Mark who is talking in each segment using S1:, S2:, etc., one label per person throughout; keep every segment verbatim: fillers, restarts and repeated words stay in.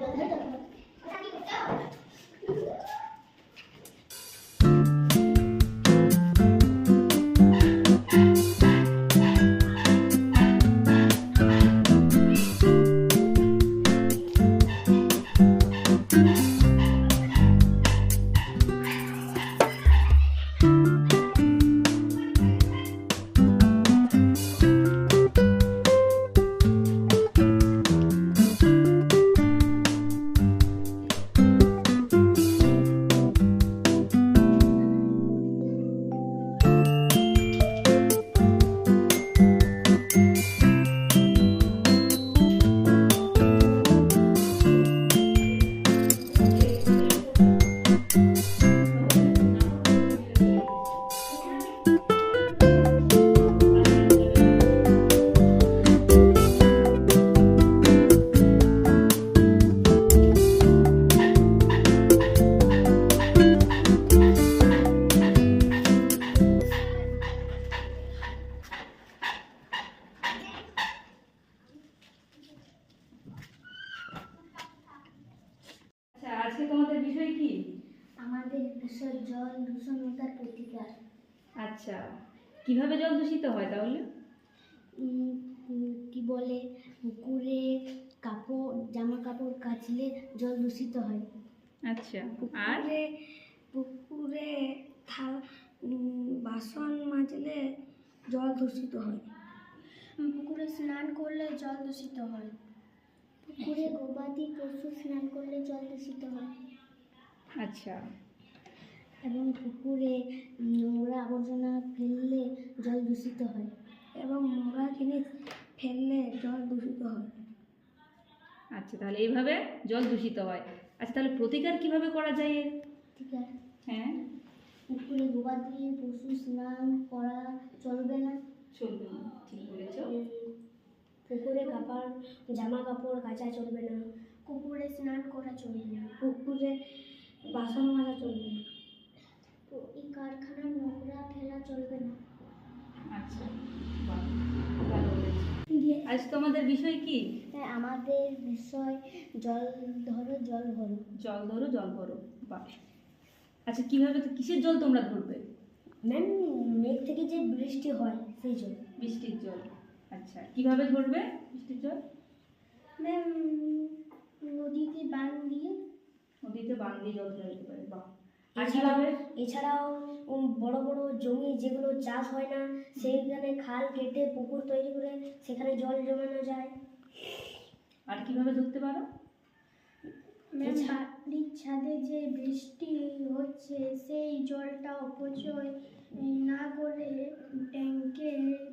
S1: আজকে তোমাদের বিষয় কি?
S2: আমাদের বিষয় জল দূষণতার প্রতিকার।
S1: আচ্ছা, কিভাবে জল দূষিত হয় তাহলে?
S2: কি বলে, পুকুরে কাপড় জামা কাপড় কাচলে জল দূষিত হয়।
S1: আচ্ছা, আর
S2: পুকুরে পুকুরে বাসন মাজলে জল দূষিত হয়। পুকুরে স্নান করলে জল দূষিত হয়। পুকুরে গবাদি পশু স্নান করলে জল দূষিত হয়।
S1: আচ্ছা,
S2: এবং পুকুরে নোংরা আবর্জনা ফেললে জল দূষিত হয়। এবং নোংরা জিনিস ফেললে জল দূষিত হয়।
S1: আচ্ছা, তাহলে এইভাবে জল দূষিত হয়। আচ্ছা, তাহলে প্রতিকার কিভাবে করা যায় এর?
S2: প্রতিকার,
S1: হ্যাঁ,
S2: পুকুরে গবাদি পশু স্নান করা চলবে না।
S1: চলবে না, ঠিক বলেছ।
S2: পুকুরে কাপড় জামা কাপড় কাচা চলবে না। পুকুরে স্নান করা চলবে না। পুকুরে বাসন মাজা চলবে না। এই কারখানার নোংরা ফেলা চলবে না।
S1: আচ্ছা, বাহ, ভালো বলেছ। আজ তোমাদের বিষয় কি?
S2: আমাদের বিষয় জল ধরো জল ভরো।
S1: জল ধরো জল ভরো, বাহ। আচ্ছা, কিভাবে, কিসের জল তোমরা ধরবে?
S2: ম্যাম, মেঘ থেকে যে বৃষ্টি হয় সেই জল।
S1: বৃষ্টির জল। আচ্ছা, কিভাবে ধরবে বৃষ্টির জল?
S2: ম্যাম, নদীতে বাঁধ দিয়ে।
S1: নদীতে বাঁধ দিয়ে জল ধরা যেতে পারে, বাহ।
S2: এছাড়াও এছাড়াও বড় বড় জমি যেগুলো চাষ হয় না সেইখানে খাল কেটে পুকুর তৈরি করে সেখানে জল জমানো যায়।
S1: আর কিভাবে ধরতে পারো?
S2: ম্যাম, বাড়ির ছাদে যে বৃষ্টি হচ্ছে সেই জলটা অপচয় না করে ট্যাঙ্কে।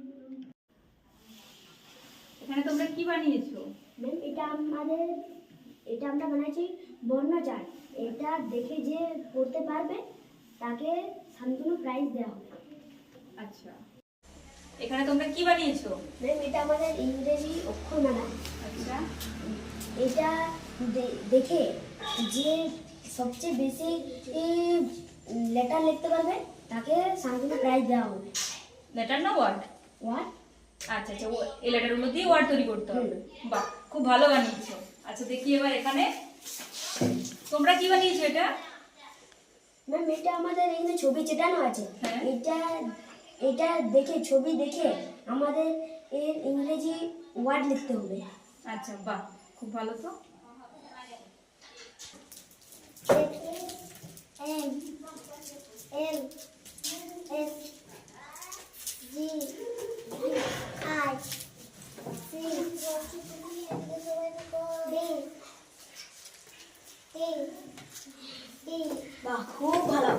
S1: এখানে তোমরা কি বানিয়েছো?
S2: ম্যাম, এটা আমাদের এটা আমরা বানাইছি বর্ণচার। এটা দেখে যে পড়তে পারবে তাকে শান্তনু প্রাইজ দেওয়া হবে।
S1: আচ্ছা, এখানে তোমরা কি বানিয়েছো?
S2: ম্যাম, এটা আমাদের ইংরেজি অক্ষরমালা।
S1: আচ্ছা,
S2: এটা দেখে যে সবচেয়ে বেশি লেটার লিখতে পারবে তাকে শান্তনু প্রাইজ দেওয়া হবে।
S1: লেটার না ওয়ার্ড?
S2: ওয়ার্ড।
S1: আচ্ছা আচ্ছা, এই লেটারগুলো দিয়ে ওয়ার্ড তৈরি করতে হবে, বাহ, খুব ভালো বানিয়েছো। আচ্ছা, দেখি এবার এখানে তোমরা কি বানিয়েছো? এটা
S2: ম্যাম, এটা আমাদের এখানে ছবি চেটানো আছে। এটা এটা দেখে ছবি দেখে আমাদের এর ইংরেজি ওয়ার্ড লিখতে হবে।
S1: আচ্ছা, বাহ, খুব ভালো তো।
S2: M L S G I C D E E. বাহ, খুব ভালো।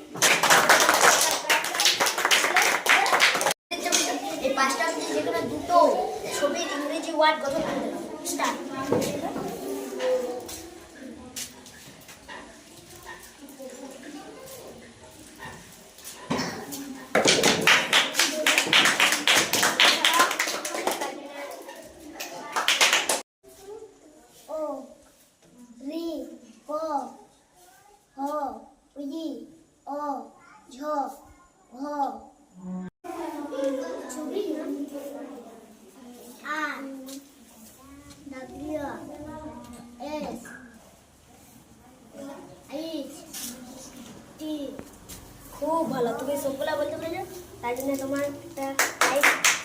S2: এই পাঁচটা যেখানে দুটো ছবির ইংরেজি ওয়ার্ড গঠন করে দিলাম। স্টার্ট। ও রি ক হ ই অ ঝ ঘ ছবি আর ডাব্লিউ খুব ভালো, তুমি সবগুলা বলতে পেরেছো, তাই জন্য তোমার একটা লাইক